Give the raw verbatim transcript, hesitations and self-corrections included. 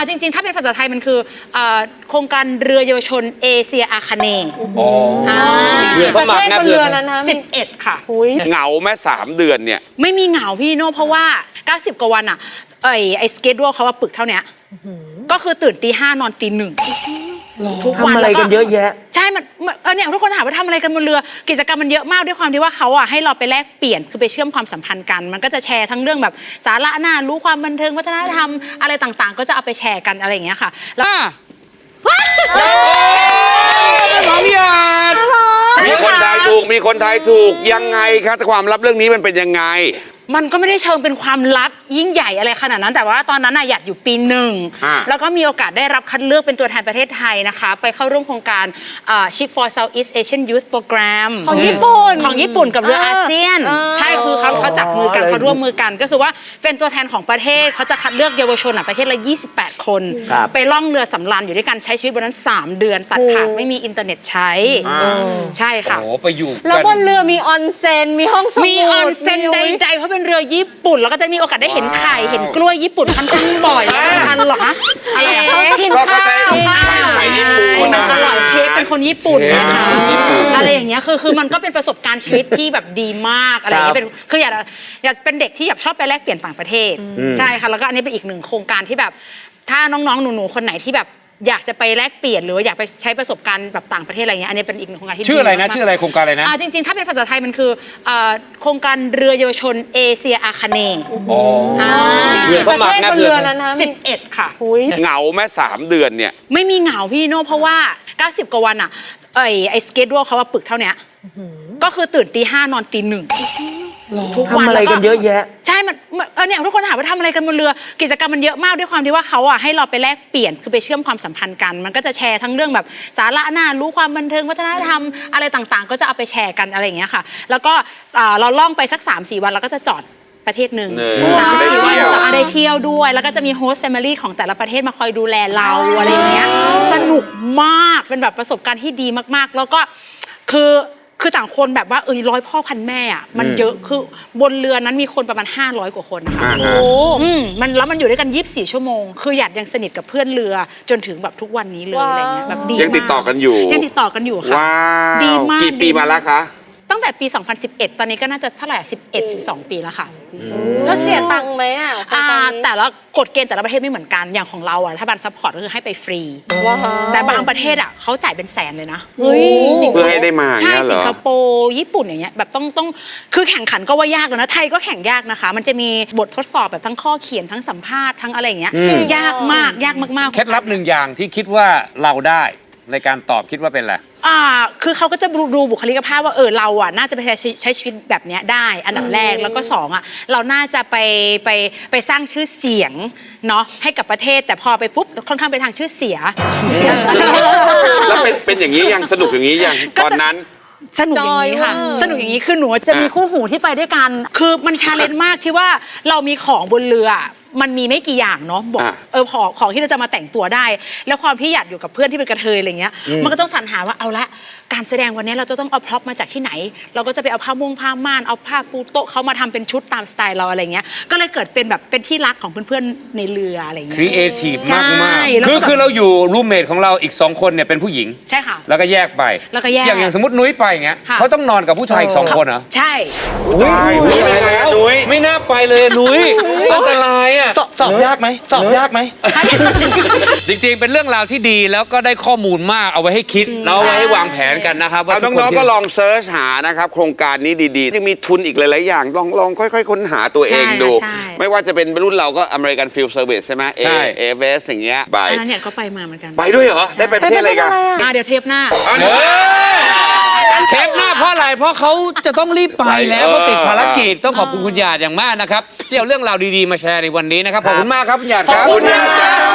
จริงๆถ้าเป็นภาษาไทยมันคือโครงการเรือเยาวชนเอเชียอาคเนย์เรือสมัครนะเรือนั้นนะสิบเอ็ดค่ะเหงาแม่สามเดือนเนี่ยไม่มีเหงาพี่โน่เพราะว่าเก้าสิบกว่าวันอ่ะไอ้ไอ้สเกจดูเขาว่าปึกเท่านี้ก็คือตื่นตีห้านอนตีหนึ่งทุกวันทำอะไรกันเยอะแยะใช่มันเออเนี่ยทุกคนถามว่าทำอะไรกันบนเรือกิจกรรมมันเยอะมากด้วยความที่ว่าเขาอ่ะให้เราไปแลกเปลี่ยนคือไปเชื่อมความสัมพันธ์กันมันก็จะแชร์ทั้งเรื่องแบบสาระน่ารู้ความบันเทิงวัฒนธรรมอะไรต่างๆก็จะเอาไปแชร์กันอะไรอย่างเงี้ยค่ะแล้วน้องหยาดมีคนทายถูกมีคนทายถูกยังไงครับความลับเรื่องนี้มันเป็นยังไงมันก็ไม่ได้เชิงเป็นความลับยิ่งใหญ่อะไรขนาดนั้นแต่ว่าตอนนั้นน่ะอยากอยู่ปีหนึ่งแล้วก็มีโอกาสได้รับคัดเลือกเป็นตัวแทนประเทศไทยนะคะไปเข้าร่วมโครงการ Ship for Southeast Asian Youth Program ของญี่ปุ่นของญี่ปุ่นกับเรืออาเซียนใช่คือเขาเขาจับมือกันเขาร่วมมือกันก็คือว่าเป็นตัวแทนของประเทศเขาจะคัดเลือกเยาวชนประเทศละยี่สิบแปดคนไปล่องเรือสำราญอยู่ด้วยกันใช้ชีวิตบนนั้นสามเดือนตัดขาดไม่มีอินเทอร์เน็ตใช้ใช่ค่ะโอ้ไปอยู่แล้วบนเรือมีออนเซ็นมีห้องสมุดมีออนเซ็นใดๆเพราะเป็นเรือญี่ปุ่นแล้วก็จะมีโอกาสได้เห็นไข่เห็นกล้วยญี่ปุ่นค่อนข้างบ่อยแล้วทันหรอฮะอะไรเขากินข้าวไข่ญี่ปุ่นมันอร่อยเชฟเป็นคนญี่ปุ่นนะคะอะไรอย่างเงี้ยคือคือมันก็เป็นประสบการณ์ชีวิตที่แบบดีมากอะไรอย่างเงี้ยเป็นคืออยากอยากเป็นเด็กที่อยากชอบไปแลกเปลี่ยนต่างประเทศใช่ค่ะแล้วก็อันนี้เป็นอีกหนึ่งโครงการที่แบบถ้าน้องๆหนูๆคนไหนที่แบบอยากจะไปแลกเปลี่ยนหรืออยากไปใช้ประสบการณ์แบบต่างประเทศอะไรเงี้ยอันนี้เป็นอีกหนึ่งโครงการที่ชื่ออะไรนะชื่ออะไรโครงการอะไรนะจริงๆถ้าเป็นภาษาไทยมันคือโครงการเรือเยาวชนเอเชียอาคเนย์เรือสมัครนะเรือนั้นนะสิบเอ็ดค่ะเหงาแม่สามเดือนเนี่ยไม่มีเหงาพี่โน่เพราะว่าเก้าสิบกว่าวันอ่ะไอ้ไอ้สเกจดูเขาว่าปึกเท่านี้ก็คือตื่นตีห้านอนตีหนึ่งทุกวันทำอะไรกันเยอะแยะใช่มันเออเนี่ยทุกคนถามว่าทำอะไรกันบนเรือกิจกรรมมันเยอะมากด้วยความที่ว่าเขาอ่ะให้เราไปแลกเปลี่ยนคือไปเชื่อมความสัมพันธ์กันมันก็จะแชร์ทั้งเรื่องแบบสาระน่ารู้ความบันเทิงวัฒนธรรมอะไรต่างๆก็จะเอาไปแชร์กันอะไรอย่างเงี้ยค่ะแล้วก็เราล่องไปสัก สามสี่ วันแล้วก็จะจอดประเทศหนึ่งสามสี่วันจะได้เที่ยวด้วยแล้วก็จะมีโฮสต์แฟมิลี่ของแต่ละประเทศมาคอยดูแลเราอะไรอย่างเงี้ยสนุกมากเป็นแบบประสบการณ์ที่ดีมากๆแล้วก็คือคือต่างคนแบบว่าเอ้ยร้อยพ่อพันแม่อ่ะมันเยอะคือบนเรือนั้นมีคนประมาณห้าร้อยกว่าคนค่ะโอ้อืมมันแล้วมันอยู่ด้วยกันยี่สิบสี่ชั่วโมงคือหยาดยังสนิทกับเพื่อนเรือจนถึงแบบทุกวันนี้เลยอะไรเงี้ยแบบดียังติดต่อกันอยู่ยังติดต่อกันอยู่ค่ะดีมากกี่ปีมาแล้วคะตั้งแต่ปีสองพันสิบเอ็ดตอนนี้ก็น่าจะเท่าไหร่สิบเอ็ด สิบสองปีแล้วค่ะแล้วเสียตังค์ไหมอ่ะแต่ละกฎเกณฑ์แต่ละประเทศไม่เหมือนกันอย่างของเราอ่ะถ้าบันซัพพอร์ตก็คือให้ไปฟรีแต่บางประเทศอ่ะเขาจ่ายเป็นแสนเลยนะเพื่อให้ได้มาใช่สิงคโปร์ญี่ปุ่นอย่างเงี้ยแบบต้องต้องคือแข่งขันก็ว่ายากแล้วนะไทยก็แข่งยากนะคะมันจะมีบททดสอบแบบทั้งข้อเขียนทั้งสัมภาษณ์ทั้งอะไรอย่างเงี้ยยากมากยากมากๆเคล็ดลับหนึ่งอย่างที่คิดว่าเราได้ในการตอบคิดว่าเป็นอะไรอ่าคือเขาก็จะดูบุคลิกภาพว่าเออเราอ่ะน่าจะไปใช้ใช้ชีวิตแบบนี้ได้อันดับแรกแล้วก็สองอ่ะเราน่าจะไปไปไปสร้างชื่อเสียงเนาะให้กับประเทศแต่พอไปปุ๊บค่อนข้างไปทางชื่อเสียแล้วเป็นเป็นอย่างนี้ยังสนุกอย่างนี้ยังตอนนั้นสนุกอย่างนี้ค่ะสนุกอย่างนี้คือหนูจะมีคู่หูที่ไปด้วยกันคือมันชาเลนจ์มากที่ว่าเรามีของบนเรือมันมีไม่กี่อย่างเนาะบอกเออของของที่เราจะมาแต่งตัวได้แล้วความพี่หยาดอยู่กับเพื่อนที่เป็นกระเทยอะไรเงี้ยมันก็ต้องสรรหาว่าเอาละการแสดงวันนี้เราจะต้องเอาพร็อพมาจากที่ไหนเราก็จะไปเอาผ้าม่วงผ้าม่านเอาผ้าปูโต๊ะเขามาทำเป็นชุดตามสไตล์เราอะไรเงี้ยก็เลยเกิดเป็นแบบเป็นที่รักของเพื่อนๆในเรืออะไรเงี้ยครีเอทีฟมากมากคือคือเราอยู่รูมเมทของเราอีกสองคนเนี่ยเป็นผู้หญิงใช่ค่ะแล้วก็แยกไปแล้วก็แยกอย่างอย่างสมมตินุ้ยไปเงี้ยเขาต้องนอนกับผู้ชายอีกสองคนเหรอใช่ตายนุ้ยไปแล้วนุ้ยไม่น่าไปเลยนุ้ยอันตรายอ่ะสอบยากไหมสอบยากไหมจริงๆเป็นเรื่องราวที่ดีแล้วก็ได้ข้อมูลมากเอาไว้ให้คิดแล้วเอาไว้ให้วางแผนกันนะครับว่าน้องๆก็ลองเซิร์ชหานะครับโครงการนี้ดีๆยังมีทุนอีกหลายๆอย่างลองลองค่อยๆค้นหาตัวเองดูไม่ว่าจะเป็นรุ่นเราก็ American Field Service ใช่ไหมเอเอเวสอย่างเงี้ยไปอันนั้นเนี่ยก็ไปมาเหมือนกันไปด้วยเหรอได้ไปประเทศอะไรกันเดี๋ยวเทปหน้าเทปหน้าเพราะอะไรเพราะเขาจะต้องรีบไปแล้วเขาติดภารกิจต้องขอบคุณคุณหยาดอย่างมากนะครับที่เอาเรื่องราวดีๆมาแชร์ในวันนี้นะครับขอบคุณมากครับคุณหยาดครับขอบคุณหยาด